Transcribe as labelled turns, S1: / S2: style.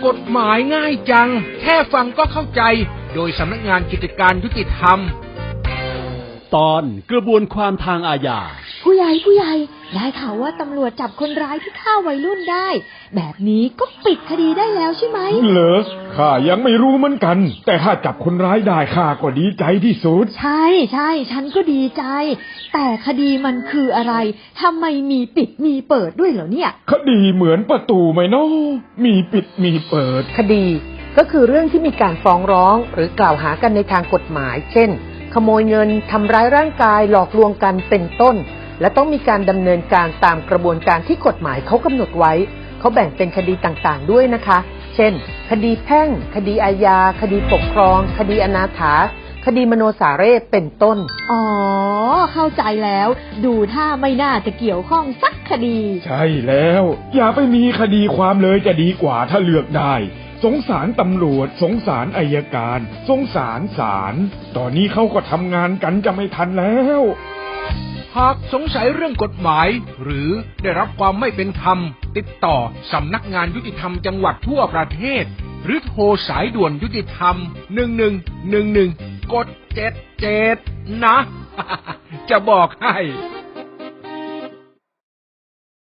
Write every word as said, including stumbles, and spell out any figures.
S1: กฎหมายง่ายจังแค่ฟังก็เข้าใจโดยสำนักงานกิจการยุติธรรม
S2: ตอนกระบวนความทางอาญา
S3: ผู้ใหญ่ผู้ใหญ่ได้ข่าวว่าตำรวจจับคนร้ายที่ฆ่าวัยรุ่นได้แบบนี้ก็ปิดคดีได้แล้วใช่ไหม
S4: เหรอข้ายังไม่รู้เหมือนกันแต่ถ้าจับคนร้ายได้ข้าก็ดีใจที่สุด
S3: ใช่ใช่ฉันก็ดีใจแต่คดีมันคืออะไรทำไมมีปิดมีเปิดด้วยเหรอเนี่ย
S4: คดีเหมือนประตูไหมเนาะมีปิดมีเปิด
S5: คดีก็คือเรื่องที่มีการฟ้องร้องหรือกล่าวหากันในทางกฎหมายเช่นขโมยเงินทำร้ายร่างกายหลอกลวงกันเป็นต้นและต้องมีการดำเนินการตามกระบวนการที่กฎหมายเขากำหนดไว้เขาแบ่งเป็นคดีต่างๆด้วยนะคะเช่นคดีแพ่งคดีอาญาคดีปกครองคดีอนาถาคดีมโนสาเรศเป็นต้น
S3: อ๋อเข้าใจแล้วดูท่าไม่น่าจะเกี่ยวข้องสักคดี
S4: ใช่แล้วอย่าไปมีคดีความเลยจะดีกว่าถ้าเลือกได้สงสารตำรวจสงสารอัยการสงสารศาลตอนนี้เขาก็ทำงานกันจะไม่ทันแล้ว
S1: หากสงสัยเรื่องกฎหมายหรือได้รับความไม่เป็นธรรมติดต่อสำนักงานยุติธรรมจังหวัดทั่วประเทศหรือโทรสายด่วนยุติธรรมหนึ่งหนึ่งหนึ่งหนึ่งกดเจ็ดเจ็ดนะ จะบอกให้